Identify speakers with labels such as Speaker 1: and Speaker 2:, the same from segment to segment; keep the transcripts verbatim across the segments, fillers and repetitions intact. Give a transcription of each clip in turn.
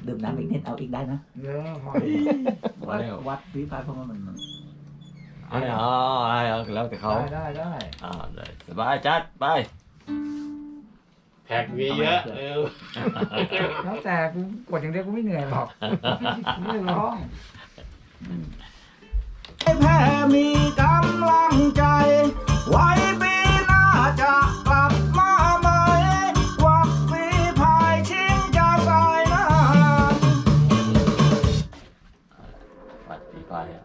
Speaker 1: ดื่มน้ำอีกนิดเอาอีกได้นะ
Speaker 2: เยอะพอ
Speaker 1: วัดวัดวิพากษ์เพราะว่ามัน
Speaker 3: อ๋อแล้วแต่เขา
Speaker 2: ได้ได้ได้
Speaker 3: อ่าได้สบายจัดไป
Speaker 4: แพ็กมีเยอะเออ
Speaker 2: แล้วแต่กูกดอย่างเดียวกูไม่เหนื่อยหรอกไม่ร้อง
Speaker 1: แพ้มีกำลังใจไว้ปีหน้าจะกลับมาใหม่วักฝีพายชิงจะสายน้ำ
Speaker 3: ปัดปีไปอ่ะ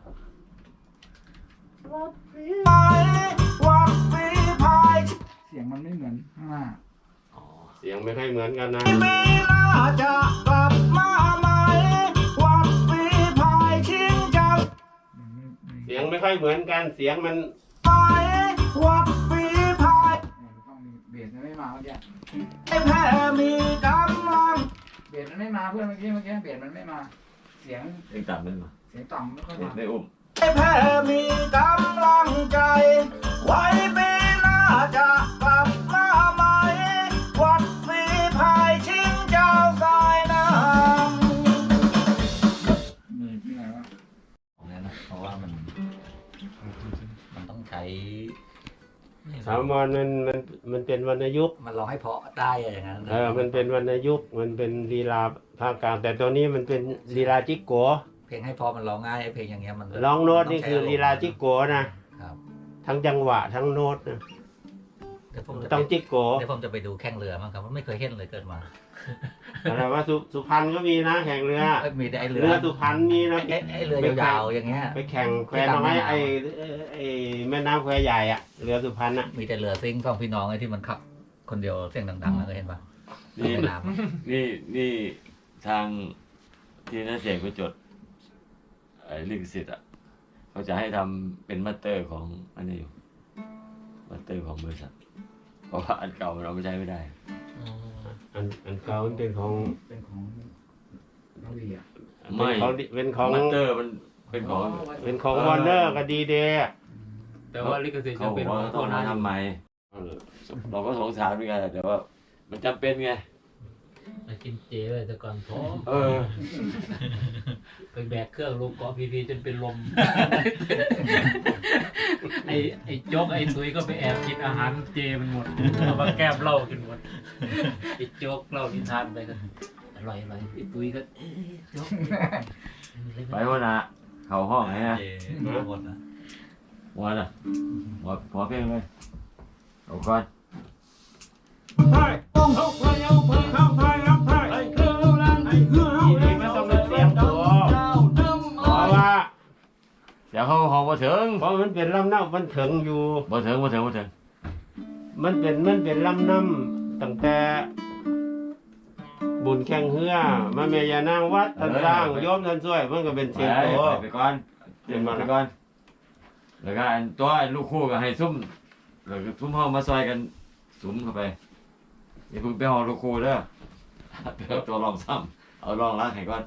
Speaker 1: วักฝีพายวักฝีพาย
Speaker 2: เสียงมันไม่เหมือนข้างหน้า
Speaker 3: อ๋อ
Speaker 4: เสียงไม่ค่อยเหมือนกันนะ
Speaker 1: ปีหน้าจะกลับมาใหม่วักฝีพายชิงจะ
Speaker 4: เสียงไม่ค่อยเหมือนกันเสียงมัน
Speaker 1: สายวักฝีพาย
Speaker 2: เนี่ยมันต้องมีเบสมันไม่มาเมื่อกี้
Speaker 1: แพ้มีกำลัง
Speaker 2: เบสมันไม่มาเพื่อนเมื่อกี้เมื่อกี้เบสมันไม่มา เสียง
Speaker 3: เองต่ำมันมา
Speaker 2: เสียงต่ำไม่ค่อย
Speaker 3: เด็ก
Speaker 2: มา
Speaker 3: ไม่อุ้ม
Speaker 1: แพ้มีกำลังใจไว้ปีหน้าจะกลับมาใหม่วัดฝีพายชิงเจ้าสายน้ำ
Speaker 2: มีที่ไหนวะ
Speaker 1: ของนั้นนะเพราะว่ามันมันต้องใช้
Speaker 4: สามวันมันมันมันเป็นวรรณยุกต์
Speaker 1: มันร้องให้เพาะได้อะอย่างนั้น
Speaker 4: เออมันเป็นวรรณยุกต์มันเป็นลีลาภาคกลางแต่ตัวนี้มันเป็นลีลาจิกโก
Speaker 1: เพลงให้เพาะมันร้องง่ายไอ้เพลงอย่างเงี้ยมัน
Speaker 4: ร้องโน้ตนี่คือลีลาจิกโกนะครับ ทั้งจังหวะทั้งโน้ตนะ
Speaker 1: เดี๋ยวผมจะ
Speaker 4: ต้องจิกโก
Speaker 1: เดี๋ยวผมจะไปดูแข่งเรือมั้งครับว่าไม่เคยเห็นเลยเกิดมา
Speaker 4: อะไรว่าสุสุพรรณก็มีนะแข่งเรือ
Speaker 1: เอ้ยมีแต่ไอ้เรือ
Speaker 4: เรือสุพรรณมีนะ
Speaker 1: ไอ้ไอ้เรือยาวๆอย่างเงี้ย
Speaker 4: ไปแข่งแควน้อยไอ้ไอ้แม่น้ำแควใหญ่อะเรือสุพรรณอะ
Speaker 1: มีแต่เรือซิ่งสองพี่น้องไอ้ที่มันขับ คนเดียวเสียงดังๆนะเคยเห็นปะ
Speaker 3: นี่
Speaker 1: ในน้ำอะ
Speaker 3: นี่นี่ทางที่นักเสียงไปจดไอ้ลิขสิทธิ์อ่ะเขาจะให้ทำเป็นมาสเตอร์ของอันนี้อยู่มาสเตอร์ของบริษัทเพราะว่าอันเก่าเราไม่ใช้ไม่ได้
Speaker 4: อันอันเก่ามันเป็นของ
Speaker 2: เป็นของน้องวีอ่ะ
Speaker 3: ไม่
Speaker 4: เป็นของเป็นของ
Speaker 3: มาสเตอร์มันเป็นของ
Speaker 4: เป็นของวอร์เนอร์กับดีเดย์
Speaker 5: แต่ว่าลิขสิทธิ์
Speaker 3: เขา
Speaker 5: จะ
Speaker 3: บ
Speaker 5: เป็
Speaker 3: อน ก
Speaker 5: ขอ
Speaker 3: ว่าง ต้
Speaker 5: ตั
Speaker 3: อ
Speaker 5: ว
Speaker 3: ง
Speaker 5: นั้
Speaker 3: มาน ทำไมเราก็สงสารเหมือนกันแต่ว่า มันจำเป็นไง
Speaker 5: มากินเจเลยแต่ก่อนพร้อม
Speaker 3: เออ
Speaker 5: ไปแบกเครื่องลงเกาะพีพีจนเป็นลม ไอ้ไอ้โจ๊กไอ้ตุยก็ไปแอบกินอาหารเจมันหมดเอามาแก้มเหล้ากินหมดไอ้โจ๊กเหล้านิทานไปกันอร่อยอร่อยไอ้ตุยก็เอ้ยโจ๊ก
Speaker 3: ไปวันน่ะเข้าห้องไงฮะ
Speaker 1: เจหมดนะ
Speaker 3: วันน่ะหัวหัวเพลงเลยเอาก่อน
Speaker 4: ทีนี้มันต้องเป็นเสียงตัวเพราะว่า
Speaker 3: เดี๋ยวเขาห้องมาถึง
Speaker 4: เพราะมันเป็นลำน้ำมันถึงอยู่
Speaker 3: มาถึงมาถึงมาถึง
Speaker 4: มันเป็นมันเป็นลำน้ำตั้งแต่ บุญแข่งเฮือมาเมียานางวัดท่านสร้างโยมท่านช่วยมันก็เป็น
Speaker 3: ไป
Speaker 4: เสียงตัว
Speaker 3: ไปก่อนเดี๋ยวมาไปก่อนแล้วก็อันตัวไอ้ลูกคู่ก็ให้ซุ่มแล้วก็ซุ่มห้องมาซอยกันสุมเข้าไปอย่าเพิ่งไปห้องลูกคู่เด้อเอาตัวรองซ้ำเอารองล้างให้ก่อน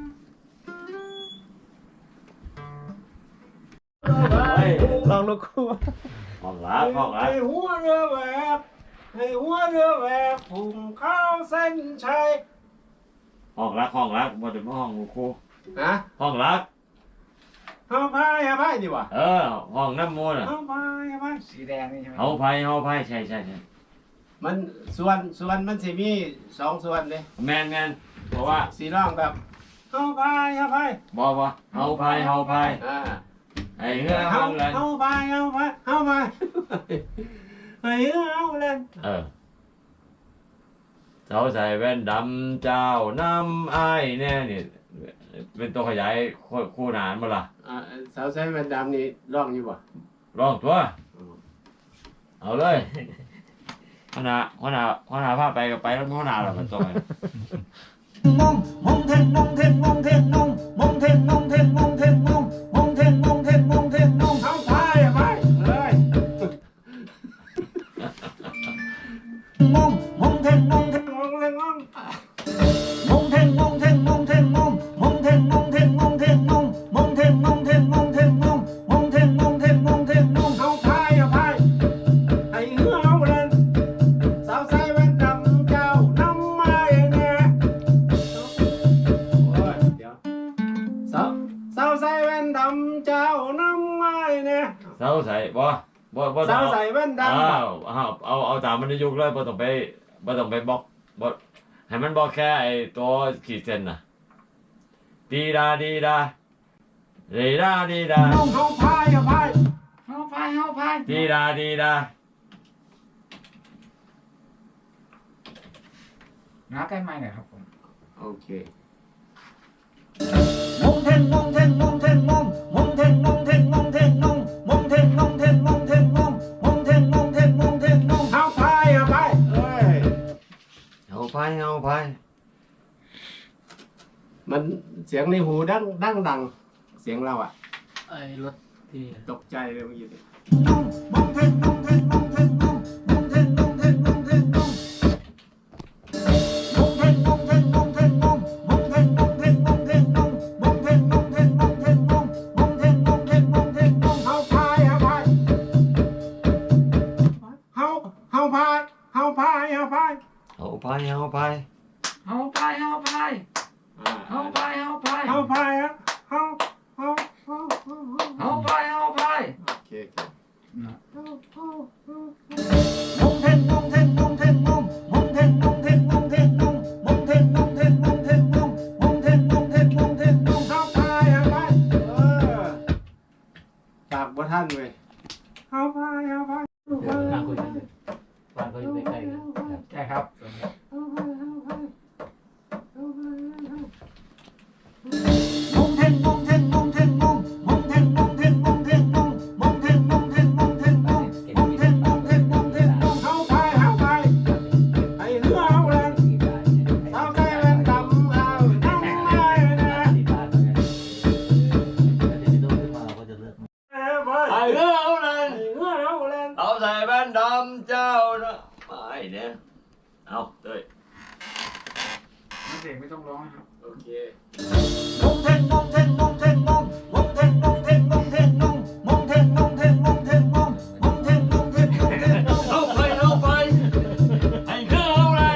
Speaker 4: ลองลูกคู่
Speaker 3: ห้องล้างห้องล้าง
Speaker 4: ให้หัวเรือแหวกให้หัวเรือแหวกพุ่งเข้าเส้นชัย
Speaker 3: ห้องล้างห้องล้างมาถึงห้องลูกคู่
Speaker 4: นะ
Speaker 3: ห้องล้าง
Speaker 4: เอาพายเอาพายดีกว่า
Speaker 3: เออห้องน้ำมูลอ่ะ
Speaker 4: เอาพายเอาพาย
Speaker 2: สีแดงนี่ใช่ไหม
Speaker 3: เฮาไผเฮาไผใช่ใช่ใช่
Speaker 4: มันส่วนส่วนมันสิมีสองส่วนเลย
Speaker 3: แมนแมนเพราะว่า
Speaker 4: สีร้องแบบเอาพายเอาพาย
Speaker 3: บอกว่าเฮาไผเฮาไผ
Speaker 4: อ่า
Speaker 3: ไอ้เฮือเฮาแลน
Speaker 4: เอาพายเอาพายเอาพายไอ้เฮือเอาเล่น
Speaker 3: เออเจ้าใส่แว่นดำเจ้าน้ำอ้ายแน่นี่เป็นตัวขยายคู่หนานมาล่ะ
Speaker 4: อ่าสาวใช้แว่นดำนี่ร้องอยู่บ่
Speaker 3: ร้องตัวเอาเลยขนาดขนาดขนาดพาไปก็ไปแล้วขนาดละมันตัว
Speaker 1: มงมงเทงมงเทงมงเทงมงมงเทงมงเทงมงเทงมงมงเทงมงเทงมงเทงมง
Speaker 4: เอาพายเอาพายเลย
Speaker 1: มงมงเทงมงเทง
Speaker 4: งงเลยงง
Speaker 1: มงเทงมงเทงมงเทงมงมงเทงมงเทงมงเทงมงมงเทงมงเทงมงเทงมงมงเทงมงเทงมงเทงมง
Speaker 4: เอาพายเอาพายไอ้เฮือเอาเล่นสาวใส่แว่นดำเจ้าน้ำไม้แน่
Speaker 3: บ่
Speaker 4: สา
Speaker 3: ต้อง
Speaker 4: วใส่แว่นดำ
Speaker 3: อ้าวอ้าวเอาเอาตามมันในยุคเลยบ่ต้องไปบ่ต้องไปบล็อกบ่ให้มันบอกแค่ไอ้ตัวขีดเส้นน่ะดีดาดีดาเรดาดีดา
Speaker 4: น้องเขาพายอะพาย
Speaker 2: เฮาพายเฮาพาย
Speaker 3: ดีดาดีดา
Speaker 2: น้าใกล้ไม้หน่อยครับผม
Speaker 4: โอเค
Speaker 1: มงเทงมงเทงมงเทงมงมงเทงมงเทงมงเทงมงมงเทงมงเทงมงเทงมงมงเทงมงเทงมงเทงมง
Speaker 4: เขาพายอะพายเอ้ย
Speaker 3: เอาไปเอาไป
Speaker 4: มันเสียงในหูดังดังดังเสียงเราอะ
Speaker 5: ไอ้รถที่
Speaker 4: ตกใจเลยเมื่อกี้
Speaker 1: มงมงเทงมงเทงมงเทงมงมงเทงมงเทงมงเทงมงมงเทงมงเทงมงเทงมงมงเทงมงเทงมงเทงมงมงเทงมงเทงมงเทงมงมงเทงมงเทงมงเทงมง
Speaker 4: เขาพายอะพายเขาเขาพายเขาพายอะพาย
Speaker 3: เอาไปเอาไป
Speaker 2: เฮาพายเฮาพายเฮาพายเฮาพาย
Speaker 4: เขาพายอะเขาเขาเขาเขา
Speaker 2: เฮาพายเฮาพาย
Speaker 4: โอเคโอเค
Speaker 1: มงเทงมงเทงมงเทงมงมงเทงมงเทงมงเทงมงมงเทงมงเทงมงเทงมงมงเทงมงเทงมงเทงมง
Speaker 4: เขาพายอะพายเออฝากบ่ท่านเว้ยเขาพายอะพาย
Speaker 5: นั่งคุยกันเลยบ้านเขาอยู่ใกล้ๆกัน
Speaker 2: ใช่ครับ
Speaker 1: มงเทงมงเทงมงเทงมงมงเทงมงเทงมงเทงมงมงเทงมงเทงมงเทงมงมงเทงมงเทงมงเทงมง
Speaker 4: เขาพายเขาพายไอ้เรือเอาแรงสาวใส่แว่นดำเอานั่งไว้นะเอ้ยพาย
Speaker 3: ไอ้เรื่องเอาเลย
Speaker 4: ไอ้เรือเอาแรง
Speaker 3: เอาใส่แว่นดำเจ้านะไปเนี่ยเอาเต้ย
Speaker 2: น้าเสกไม่ต้องร้องนะครับ
Speaker 4: โอเค
Speaker 1: มงเทงมงเทงมงเทงมงมงเทงมงเทงมงเทงมงมงเทงมงเทงมงเทงมงมงเทงมงเทงมงเทงมง
Speaker 3: เอาไปเอาไปไอ้เรื่องเอาเลย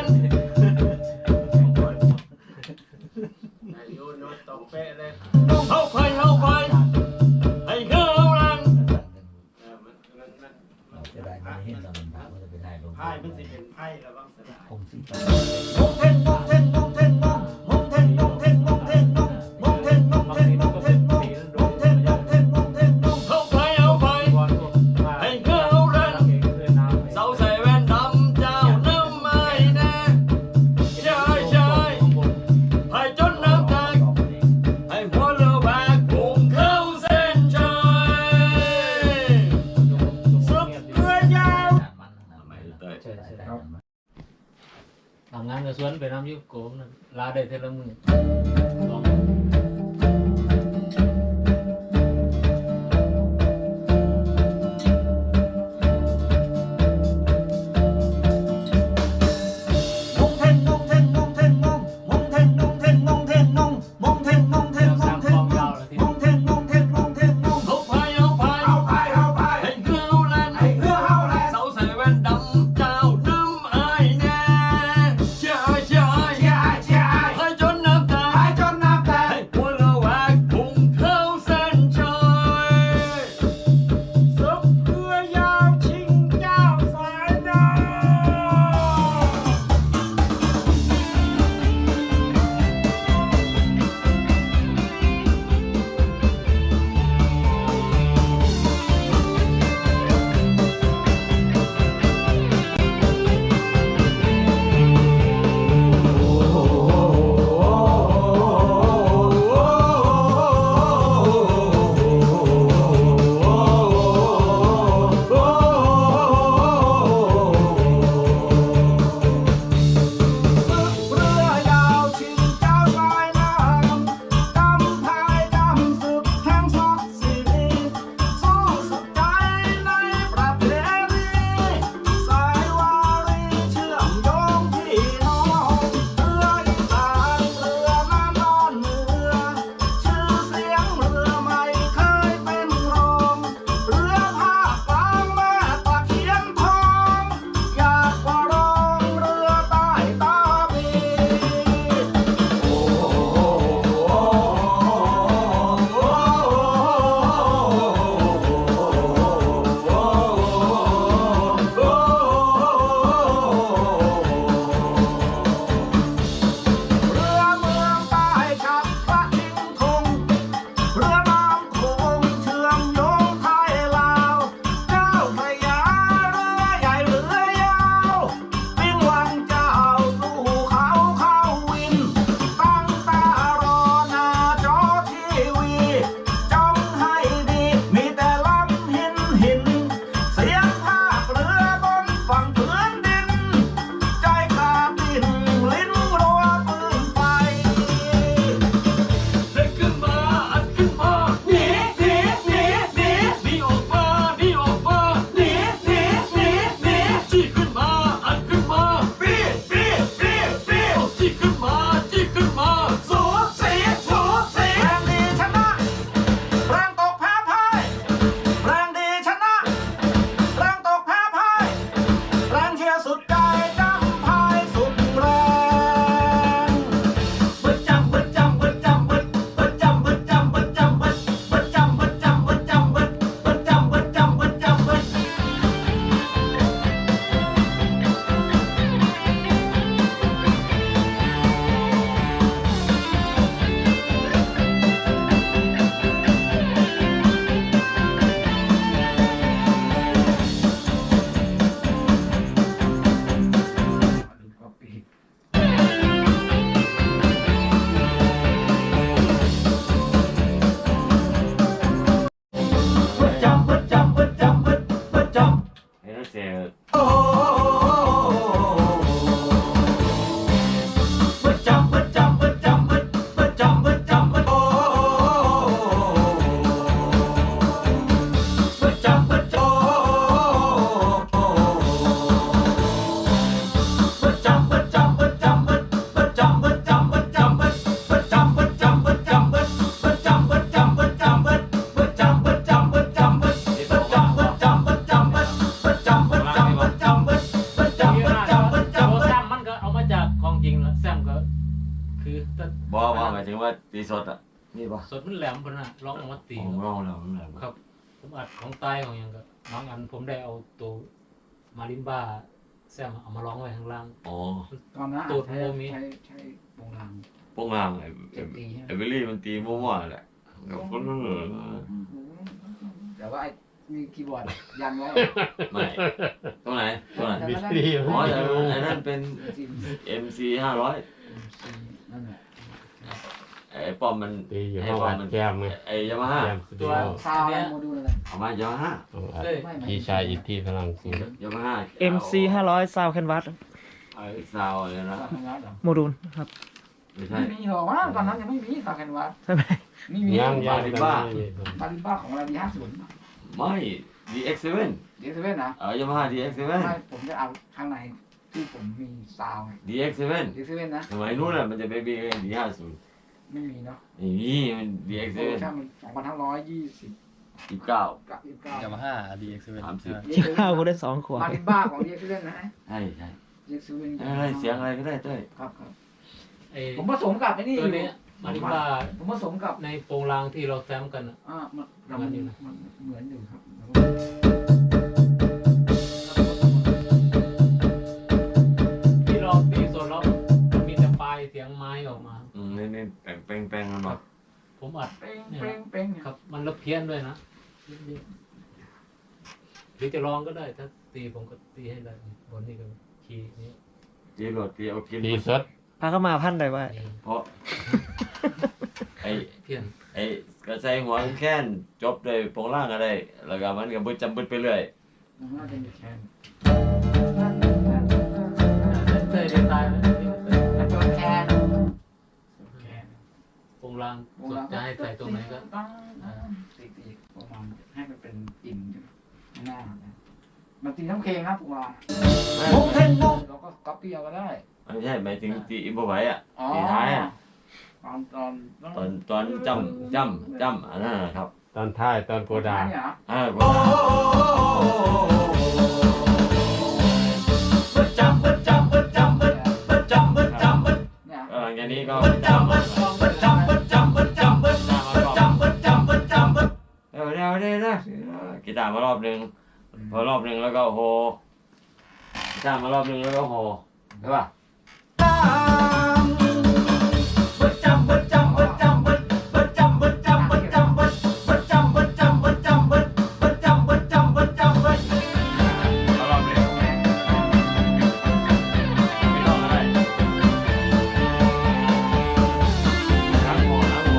Speaker 4: ไอ้โยนโยนตรงเป๊ะเลย
Speaker 3: เอาไปเอาไปไอ้เรื่องเอาเลย
Speaker 4: เออมันมันมันมัน
Speaker 6: จะได้ไม่เห็นเรามันพาจะไปถ่ายลง
Speaker 4: ไพ่มันสิเป็นไพ่แล้วบ้างเสียดาย
Speaker 6: คงสิ
Speaker 1: มงเทงมงเทงมงเทงมงมงเทงมงเทงมงเทงมงมงเทงมงเทงมงเทงมงมงเทงมงเทงมงเทงมง
Speaker 3: เอาไปเอาไป
Speaker 5: บอลพวกบ้าน
Speaker 3: ไอ้เรื่องเอาเลย
Speaker 5: เก่งเรื่องน้ำ
Speaker 3: เสาใส่แว่นดำเจ้าน้ำไม้นะใช่ใช่ให้จนน้ำตาให้หัวเรือแบกพุ่งเข้าเส้นชัยสุดเรือยาวทำไมเต้ย
Speaker 5: ใช่ใช่ทำงานกับสวนไปน้ำยุบโกงนะลาได้เท่าละมือสอง
Speaker 1: มงเทงมงเทงมงเทงมงมงเทงมงเทงมงเทงมงมงเทงมงเทงมงเทงมงมงเทงมงเทงมงเทงมง
Speaker 3: เอาไปเอาไป
Speaker 4: เอาไพ่เอาไพ่
Speaker 3: ให้เรือเอาแลน
Speaker 4: ไอ้เรือเอาแรง
Speaker 3: เสาใส่แว่นดำเจ้าน้ำไอ้แน่ใช่ใช่
Speaker 4: เชียร์ไอ้เชียร์ไอ้
Speaker 3: ให้จนน้ำตา
Speaker 4: ไอ้จนน้ำแตก
Speaker 3: ให้
Speaker 5: คือถ้า
Speaker 3: บอว่าหมายถึงว่าตีสดอ่ะนี่ปะ
Speaker 5: สดมันแหลมพนน่ะร้องออกมาตี
Speaker 3: ของร้องแล้วนั่นแหละ
Speaker 5: ครับ ผมอัดของใต้ของหยังก็บางอันผมได้เอาตัวมาริมบ้าแซมเอามาร้องไว้ข้างล่าง
Speaker 3: อ๋อ
Speaker 2: ตอนนั้น
Speaker 5: ตูด
Speaker 2: ใช้
Speaker 5: โมมิ
Speaker 2: ใช้ใช้วงราง
Speaker 3: พวกงางไอ้
Speaker 2: เจ็บตีใช่ไหม
Speaker 3: ไอ้เบลลี่มันตีมั่วๆแหละกับคนนั้นเหรอ
Speaker 2: แต่ว่าไอ้มีคีย์บอร์ดยันไว้
Speaker 3: ไม่ตรงไหนตรงไหน
Speaker 2: แต่ก็ได้
Speaker 3: อ๋อแต่ไอ้นั่นเป็น
Speaker 2: ซิม
Speaker 3: เอ็มซีห้าร้อย
Speaker 2: นั่นแหละ
Speaker 3: ไอ้ป้อมมัน
Speaker 7: ตีอยู่
Speaker 3: ไอ้
Speaker 7: ห้อง
Speaker 3: ป้อ
Speaker 7: อั
Speaker 3: ม
Speaker 7: ด
Speaker 3: มัน
Speaker 7: แคมไง
Speaker 3: ไอ้ยามาฮ่า
Speaker 7: แคมสตู
Speaker 2: ตัว
Speaker 7: ดิโอ
Speaker 2: ซาวด์อะไรโมดูลอะไร
Speaker 3: เอามายามาฮ่า
Speaker 7: ห้องอัดพี่ชายอิทธิพลังสูง
Speaker 3: ยามาฮ่า
Speaker 8: เอ็ม ซี ห้าร้อย ซาวแคนวาส
Speaker 3: ไอ้ซาวอะไรนะ
Speaker 2: ซาวแคนวาสเหรอ
Speaker 8: โมดูลครับ
Speaker 3: ไม่ใช่
Speaker 2: ไม่มีหรอกว่าตอนนั้นยังไม่มีซาวแคนวาส
Speaker 8: ใช่ไหม
Speaker 2: ไม่มี
Speaker 7: ย่างย่าง
Speaker 3: บาริบ้า
Speaker 2: บาริบ้าของอะไรดีห้าศูนย์
Speaker 3: ไม่ ดี เอ็กซ์ เซเว่น
Speaker 2: เดียเซเว่นนะ
Speaker 3: เออยามาฮ่า ดี เอ็กซ์ เซเว่น
Speaker 2: ไม่ผมจะเอาข้างในที่ผมมีซาวไง
Speaker 3: ดี เอ็กซ์ เซเว่น
Speaker 2: เดียเซเว่นนะ
Speaker 3: สมัยนู้นน่ะมันจะไปบีดีห้าศูนย์
Speaker 2: ไม่มีเนาะ
Speaker 3: นี่นี่มันดี เอ็กซ์ เซ
Speaker 2: โปร
Speaker 3: เว่น
Speaker 2: ชั่นมันสองพันห้าร้อยยี่สิบ
Speaker 3: สิบเก้า
Speaker 2: กับยี่สิบเก้าย
Speaker 9: ามาฮ่าดีเอ็กซ์เว่น
Speaker 3: สามสิบ
Speaker 8: ที่ข้าวกูได้สองขวด
Speaker 2: บาริบ้าของเดียเซเว่นนะ
Speaker 3: ใช่ใช่
Speaker 2: เดียเซเว่น
Speaker 3: อะไรเสียงอะไรก็ได้เต้ย
Speaker 2: ครับครับ
Speaker 5: ไอ้
Speaker 2: ผมผสมกับไอ้นี่อ
Speaker 5: ตัว
Speaker 2: ยู่
Speaker 5: นี้มาริมบ้า
Speaker 2: ผมผสมกับ
Speaker 5: ในโปรงลางที่เราแซมกันอ่ะ
Speaker 2: อ่ามัน
Speaker 5: เหมือนอยู่นะ
Speaker 2: มันเหมือนอยู่ครับ
Speaker 5: ที่เราตีสดแล้วมันมีแต่ปลายเสียงไม้ออกมา
Speaker 3: อืมนี่นี่แต่งแป้งแป้งกันหมด
Speaker 5: ผมอัด
Speaker 2: เป้งเป้งเป้งเนี่ย
Speaker 5: ครับมันละเพี้ยนด้วยนะหรือจะลองก็ได้ถ้าตีผมก็ตีให้ได้บนนี้ก็คีย์นี้
Speaker 3: จีโรดตีเอากิน
Speaker 7: ตีสด
Speaker 8: พาเข้ามาพันได้ว่า
Speaker 5: นี่
Speaker 3: เพราะไอ้
Speaker 5: เพี้ยน
Speaker 3: ไอ้กระใส่หัวแค้นจบด้วยโปรงล่างอะไรแล้วก็มันก็บึดจำบึดไปเรื่อย
Speaker 2: มันน่าจะมีแคน
Speaker 5: เคยได้ตายไหม
Speaker 2: แต่ตัวแคนแคน
Speaker 5: โปรงลางสดจะให้ใส่ตรงไหนก็
Speaker 2: ตีตีประมาณให้มันเป็นอิ่มใช่ไหมไม่น่านะมันตีทั้งเพลงนะผมว่า
Speaker 3: มุกเท่นมุก
Speaker 2: เราก็ก๊อปปี้เอาก็ได้
Speaker 3: ไม่ใช่หมายถึงตีอิมพอไว้อะ
Speaker 2: อ๋อ
Speaker 3: ตีท้ายอะ
Speaker 2: ตอนตอน
Speaker 3: ตอนตอนจำจำจำอันนั้นนะครับ
Speaker 7: ตอนท้ายตอนโกดา
Speaker 2: เนี่ยเหรอ
Speaker 3: อ่าโกดาบึดจำบึดจำบึดจำบึดบึดจำบึดจำบึด
Speaker 2: เนี่ย
Speaker 3: เออหลังจากนี้ก็บึดจำบึดบึดจำบึดจำบึดจำบึดบึดจำบึดจำบึดจำบึดเดี๋ยวเดี๋ยวเดี๋ยวเดี๋ยวกีตาร์มารอบหนึ่งพอรอบหนึ่งแล้วก็โฮกีตาร์มารอบหนึ่งแล้วก็โฮใช่ป่ะบึดจำบึดจำบึดจำบึดบึดจำบึดจำบึดจำบึดบึดจำบึดจำบึดจำบึดบึดจำบึดจำบึดจำบึดเอารอบเดียวไม่ต้องอะไรทั้งโฮทั้งโฮ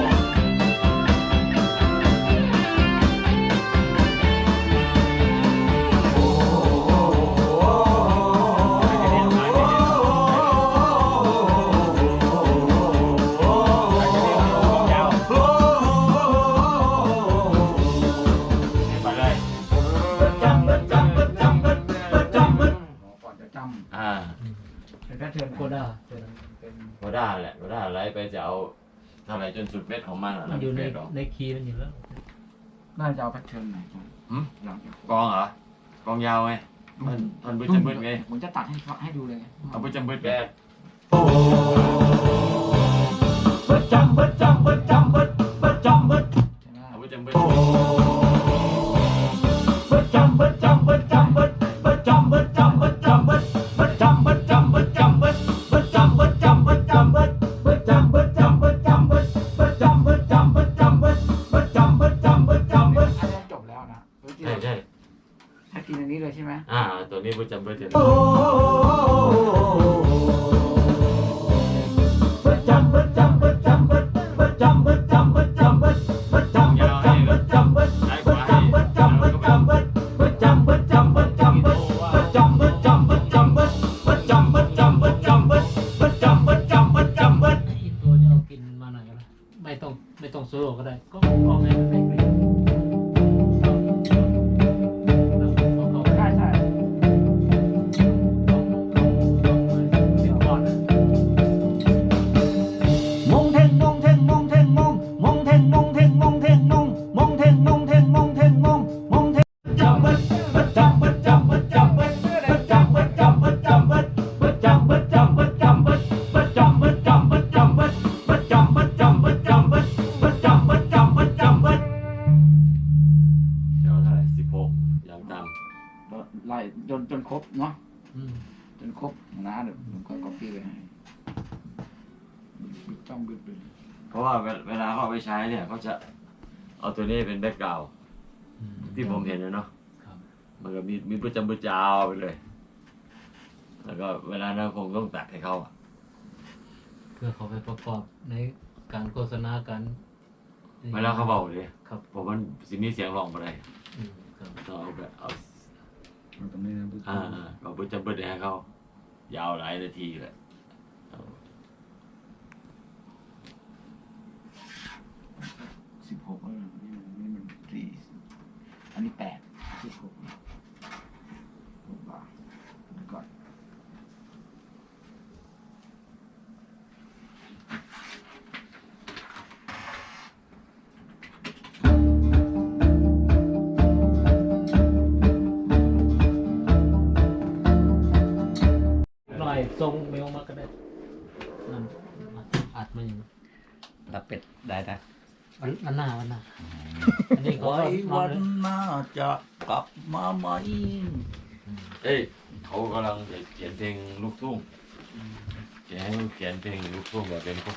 Speaker 3: ไปเลย
Speaker 2: จำจำจำจำจำก่อนจะจ
Speaker 3: อ่า
Speaker 2: ำเป็นแพทเทิร์น
Speaker 5: โคด้าตัวนั้น
Speaker 2: เป็น
Speaker 3: ก็ได้แหละก็ได้ไล่ไปจะเอาเท่าไหร่จนสุดเม็ดของมันอ่ะ
Speaker 5: มันอยู่ใน
Speaker 3: เม็ดหรอ
Speaker 5: ในคีย์มันอยู่แล้ว
Speaker 2: น่าจะเอาแพทเทิร์นไหนก่อน
Speaker 3: หืม
Speaker 2: หลังจาก
Speaker 3: กองเหรอ กองยาวไง มันมันบึ้ดจะบึ้ดไง
Speaker 2: ผมจะตัดให้เขาให้ดูเลยไง
Speaker 3: เอาบึ้ดจะบึ้ดไงบึ้ดจำบึ้ดจำบึ้ดจำบึ้ดบึ้ดจำบึ้ด
Speaker 2: ใช่ไหม
Speaker 3: เอาบึ้ดจำบึ้ดบึ้ดจำบึ้ดจำบึ้ดจำบึ้ดบึ้ดจำบึ้ดจำบึ้ดจำบึ้ดบึ้ดจำบึ้ดจำบึ้ดจำบึ้ดบึ้ดจำบึ้ดจำบึ้ดจำบึ้ดบึ้ดจำบึ้ดจำบึ้ดจำบึ้ดบึ้ดจำบึ้ดจำบึ้ดจำบึ้ดบึ้ดจำบึ้ดจำบึ้ดจำบึ้ด
Speaker 2: อันนี้จบแล้วนะ
Speaker 3: ใช่ใช่
Speaker 2: ให้กินอันนี้เลยใช่ไหม
Speaker 3: อ่าตัวนี้บึ้ดจำบึ้ดเจ็ด
Speaker 5: อินโทรจะเอากินมาหน่อยก็ได้ไม่ต้องไม่ต้องโซโล่ก็ได้ ก็เอาไงมันได้กลิ่นเอาเอา
Speaker 2: ใช่ใช่
Speaker 5: สิบก่อนนะ
Speaker 8: มงเทงมงเทงมงเทงมงมงเทงมงเทงมงเทงมงมงเทงมงเทงมงเทงมงมงเทง
Speaker 3: จำบึดบึดจำบึดจำบึดจำบึดบึดจำบึดจำบึดจำบึดบึดจำบึดจำบึดจำบึดบึดจำบึดจำบึดจำบึด
Speaker 2: รบเนาะ
Speaker 5: อืม
Speaker 2: จนครบน้าเดี๋ยวผมก็ก๊อปปี้ไปให้บิ๊กต้องบิ๊กเลย
Speaker 3: เพราะว่าเวลาเขาเอาไปใช้เนี่ยเขาจะเอาตัวนี้เป็นแบ็กกราวด์
Speaker 5: อืม
Speaker 3: ที่ผมเห็นนะเนาะ
Speaker 5: ครับ
Speaker 3: มันก็มีมีประจำประจาวไปเลย แล้วก็เวลานั้นคงต้องตัดให้เขาอะ
Speaker 5: เพื่อเขาไปประกอบในการโฆษณากัน
Speaker 3: เวลาเขาเบาเลย
Speaker 5: ครับ
Speaker 3: ผมมันสิมีเสียงร้องไปได้
Speaker 5: อืมครับ
Speaker 3: ต้องเอาแบบเอา
Speaker 2: มันตรงนี้นะบิ๊ก
Speaker 3: อ่าเอาประจำประเดี๋ยวให้เขายาวหลายนาทีเลยเอา
Speaker 2: สิบหกแล้วนะนี่มันนี่มันสี่อันนี้แปดสิบหกหกบาทเดี๋ยวก่อน
Speaker 5: หน่อยทรงเมลมาก็ได้นั่นอัดมาอย่าง
Speaker 6: รับเป็ดได้นะ
Speaker 5: วันวันหน้าวันหน้าอันนี้เขา
Speaker 6: ไว้
Speaker 5: นอ
Speaker 6: วัน น
Speaker 5: เลย
Speaker 6: หน้าจะกลับมาไหม
Speaker 3: เอ้ยเขากำลังจะเขียนเพลงลูกทุ่งจะให้เขียนเพลงลูกทุ่งแบบเป็นพวก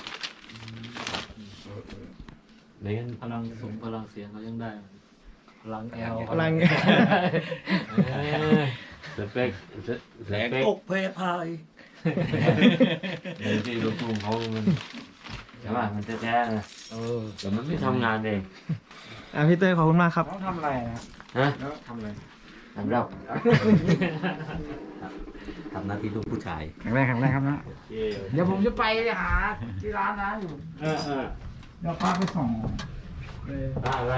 Speaker 3: ไม่งั้น
Speaker 5: พลังสูงพลังเสียงเขายังได้ พลังแอล
Speaker 8: พลัง
Speaker 5: เออ
Speaker 3: สเปคส
Speaker 6: แหลก
Speaker 3: เปค
Speaker 6: ตกเพพาย
Speaker 3: ในที่ลูกทุ่งเขามันใช่ป่ะมันแท้ๆนะ
Speaker 5: เออ
Speaker 3: แต่มันไม่ทำงานเอง
Speaker 8: อ่ะพี่เต้ยขอบคุณมากครับ
Speaker 2: ต้องทำอะไรนะ
Speaker 3: ฮะ
Speaker 2: แล้วทำอะไร
Speaker 3: ทำรับ
Speaker 6: ทำหน้าที่ลูกผู้ชาย
Speaker 2: ครั้งแรกครั้งแรกครับนะเดี๋ยวผมจะไปหาที่ร้านนะอยู่
Speaker 7: เออเออ
Speaker 2: เดี๋ยวพาไปส่งเลย
Speaker 7: อะไร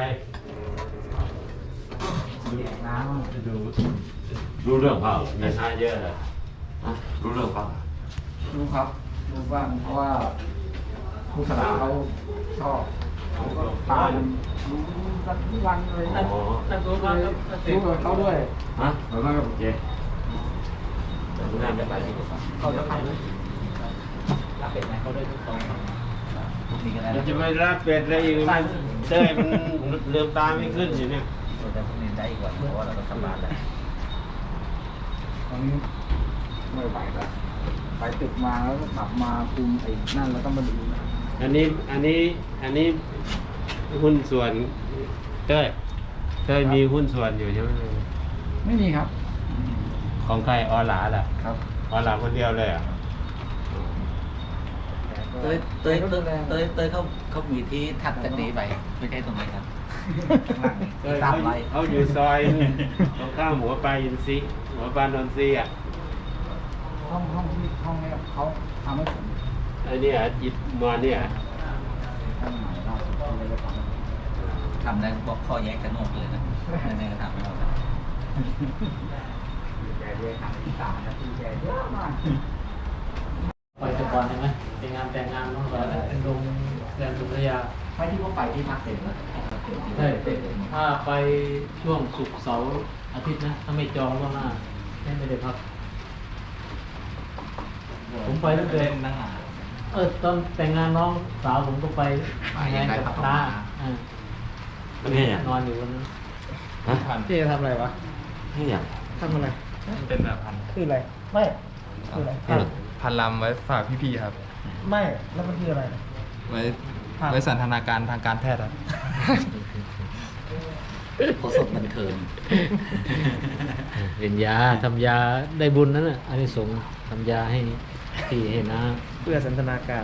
Speaker 2: แยกน้ำ
Speaker 3: ดูรู้เรื่องเปล่ามีชาเยอะเลยฮะรู้เรื่องเปล่า
Speaker 2: รู้ครับรู้บ้างเพราะว่าครูสลาเขาชอบเขาก็ตามรู้กันทุกวันเลย
Speaker 5: นั่นนั่นรู้ว่าครับ
Speaker 2: รู้กับเขาด้วย
Speaker 3: ฮะ
Speaker 2: เหมือนกันกับ
Speaker 3: โอเคแต่ไม่น่าจะไปดีกว่า
Speaker 5: เขาจะทำรับเป็นไหมเขาได้ทุกสองฝั่ง
Speaker 6: นี่ก็ได้
Speaker 7: มันจะไม่รับเป็ดอะไรอีกมันเต้ยมันเลืมตาไม่ขึ้นอยู่เนี่ย
Speaker 6: แต่พวกนี้ได้อีกว่าเพราะว่าเราก็ทำบ้านแล้ว
Speaker 2: ตอนนี้ไม่ไหวแล้วไปตึกมาแล้วก็กลับมาคุมไอ้นั่นแล้วก็มาดู
Speaker 7: อันนี้อันนี้อันนี้หุ้นส่วนเต้ยเต้ยมีหุ้นส่วนอยู่ใช่ไหม
Speaker 2: ไม่มีครับ
Speaker 7: ของใครออหลาล่ะ
Speaker 2: ครับ
Speaker 7: ออหลาคนเดียวเลยอ่ะ
Speaker 6: เต้ยเต้ยเต้ยเต้ยเต้ยเขาเขามีที่ถัดจากนี้ไปไม่ใช่ตรงนี้ครับ
Speaker 7: เต้ย
Speaker 6: ตาม
Speaker 7: เขา
Speaker 6: ไป
Speaker 7: เขาอยู่ซอยตรงข้ามหัวปลาอินซีหัวปลานนทรีอ่ะ
Speaker 2: ห้องห้องที่ห้องนี้เขาทำให้ผม
Speaker 7: ไอ้เนี่ยอิดมอนเนี่ย
Speaker 2: ห้องใหม่ล่าสุดที่เลยทำให้ผม
Speaker 6: ทำได้บอกข้อแยกกันหมดเลยนะในๆก็ทำไม่หมด
Speaker 2: แกเรียกทำที่สามนาทีแกเยอะมาก
Speaker 5: ไปแต่ก่อนใช่ไหมเป็นงานแต่งงานน้องสาวเป็นโรงแรมสุรยา
Speaker 6: ไม่ที่ว่าไปที่พักเต็มแล้ว
Speaker 5: ใช่ถ้าไปช่วงศุกร์เสาร์อาทิตย์นะ ถ้าไม่จองล่วงหน้าไม่ได้พัก ผมไปตั้งแต่
Speaker 6: นั่งอ่ะ
Speaker 5: เออตอนแต่งงานน้องสาวผมก็ไป
Speaker 6: ไป
Speaker 5: งาน
Speaker 6: ได้
Speaker 5: กับ
Speaker 6: พัก
Speaker 5: ตา
Speaker 6: มา
Speaker 5: อ่า
Speaker 3: มันนี่อย่าง
Speaker 5: นอนอยู่วันนั้น
Speaker 3: ฮะ
Speaker 8: พี่จะทำอะไรวะ
Speaker 3: นี่อย่าง
Speaker 8: ทำอะไร
Speaker 9: เป็นแบบพัน
Speaker 8: คืออะไร ไม่คืออะไร
Speaker 3: นี่
Speaker 9: พันลำไว้ฝากพี่ๆครับ
Speaker 8: ไม่ แล้วมันคืออะไร
Speaker 9: ไว้
Speaker 8: ครับ
Speaker 9: ไว้สันทนาการทางการแพทย์ครับ
Speaker 6: โคสดบันเทิง
Speaker 5: เป็นยาทำยาได้บุญนั่นน่ะอันนี้สงส์ทำยาให้พี่ให้น้า
Speaker 8: เพื่อสันทนาการ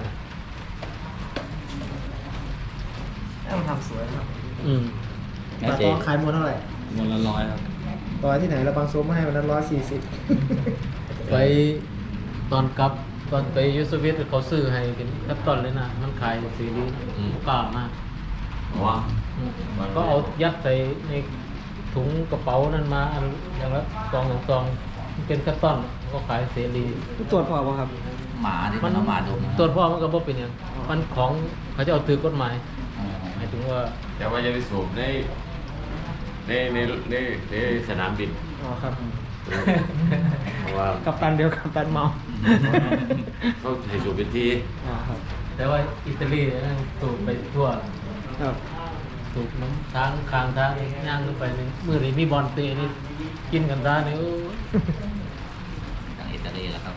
Speaker 8: ให้มันทำสวยครับ
Speaker 5: อืม
Speaker 8: แต่ก็ขายมวนเท่าไหร่
Speaker 9: เงินละร้อยครับ
Speaker 8: ร้อยที่ไหนเราบางโซมมาให้วันนั้นร้อยสี่สิบ
Speaker 5: ไปตอนกลับตอนไปยูสเวียตเขาซื้อให้เป็นคัตตอนเลยนะ มันขายซีรีส์กล้ามาก
Speaker 3: ว่า
Speaker 5: อืมก็เอายัดใส่ในถุงกระเป๋านั่นมาอันอย่างละซองสองซองมันเป็นคัตตอนก็ขายเสรี
Speaker 8: ตรวจพอป่ะครับ
Speaker 6: หมาที่มันเอามาดม
Speaker 5: ตรวจพ่อมันก็บ่เป็นหยังมันของเขาจะเอาถือกฎหมายหมายถึงว่า
Speaker 3: แต่ว่าจะไปสูบในในในในในสนามบิน
Speaker 8: อ๋อครับ
Speaker 3: เพราะว่า
Speaker 8: กับตันเดียวกับตันเมา
Speaker 3: เขาให้สูบเป็นที
Speaker 8: อ๋อครับ
Speaker 5: แต่ว่าอิตาลีเนี่ยสูบไปทั่ว
Speaker 8: ครับ
Speaker 5: สูบน้ำทางคางทางย่างขึ้นไปนี่มือนี้มีบอลเตะนี่กินกันได้นี่โอ้ย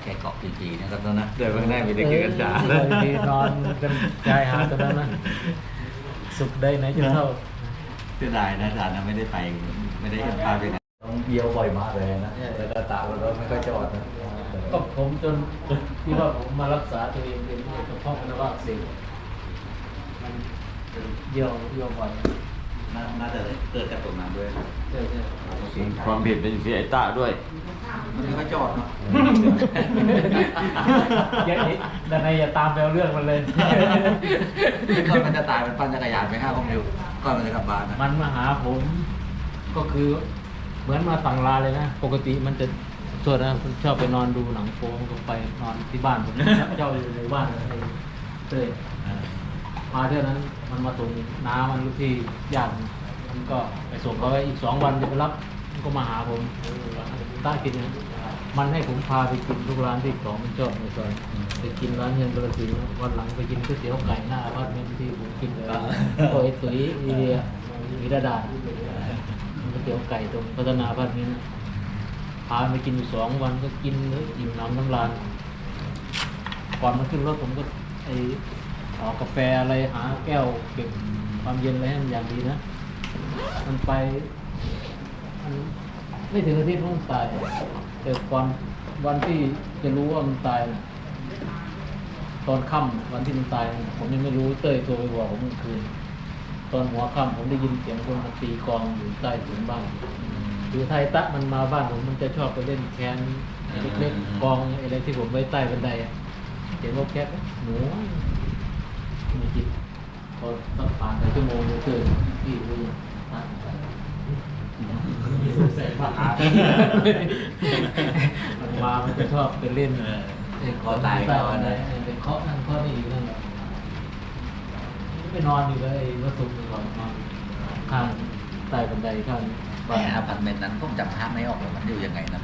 Speaker 6: ค่เกาะปีจีนะครับนะ
Speaker 3: เดี๋ยวเพิ่งได้ไปได้เกินด่า
Speaker 5: เออดีนอนกันชายหาดตอนนั้นนะสุขได้ไหนจะเท่า
Speaker 6: เสียดายนะอาจารย์นะไม่ได้ไปไม่ได้เห็นภาพไปไหนต้องเยี่ยวบ่อยมากเลยนะแล้วก็ตาแล้วไม่ค่อยจอดนะ
Speaker 5: ก็ผมจนที่ว่าผมมารักษาตัวเองเป็นกระเพาะปัสสาวะอักเสบมันเยี่ยวเยี่ยวบ่อย
Speaker 6: น่าจะเกิดจากตรงนั้นด้วย
Speaker 5: ใช่ใช่
Speaker 3: ความผิดเป็นที่ไอ้ตาด้วย
Speaker 6: มันไม่ค่อยจอดเนาะ
Speaker 5: อย่าแต่ในอย่าตามแปลเรื่องมันเลย
Speaker 6: ก่อนมันจะตายมันปั่นจักรยานไปห้าผมอยู่ก่อนมันจะกลับบ้านนะ
Speaker 5: มันมาหาผมก็คือเหมือนมาสั่งลาเลยนะ ปกติมันจะส่วนนะผมชอบไปนอนดูหนังโป๊ก็ไปนอนที่บ้านผมเจ้าอยู่ในบ้านในเต้ยมาเท่านั้นมันมาส่งน้ามันลูกที่ญาติมันก็ไปส่งเขาไว้อีกสองวันจะไปรับมันก็มาหาผมต้ากินนะมันให้ผมพาไปกินทุกร้านที่ของมันชอบในซอยไปกินร้านเฮียนกระสีวันหลังไปกินก๋วยเตี๋ยวไก่หน้าอพาร์ตเมนต์ที่ผมกินเลยก็ไอ้ตุ๋ยไอเดียวิรดาก๋วยเตี๋ยวไก่ตรงพัฒนาอพาร์ตเมนต์พาไปกินอยู่สองวันก็กินเลยอิ่มน้ำน้ำลานก่อนมันขึ้นรถผมก็ไอออกกาแฟอะไรหาแก้วเก็บความเย็นอะไรให้มันอย่างดีนะมันไปมันไม่ถึงอาทิตย์มันตายแต่ก่อนวันที่จะรู้ว่ามันตายนะตอนค่ำวันที่มันตายนะผมยังไม่รู้เต้ยโทรไปบอกผมเมื่อคืนตอนหัวค่ำผมได้ยินเสียงคนมาตีกลองอยู่ใต้ถุนบ้านคือไทยตะมันมาบ้านผมมันจะชอบไปเล่นแคนเล็กๆกองอะไรที่ผมไว้ใต้บันไดอะเสียงนกแคทหนูมีจิตพอสักผ่านไปชั่วโมงนึงตื่นพี่รู้ตั้งไปใส่ผ้าอาบมันมามันจะชอบไปเล่น
Speaker 6: คอตายก็
Speaker 5: ก็
Speaker 6: ได้
Speaker 5: เป็นเคาะนั่นเคาะนี่อยู่นั่นแหละไปนอนอยู่เลยวัดสุขก่อนนอนข้างใต้บันไดข้าง
Speaker 6: แต่อพาร์ตเมนต์นั้นผมจำภาพไม่ออกเลยมันอยู่ยังไงนะ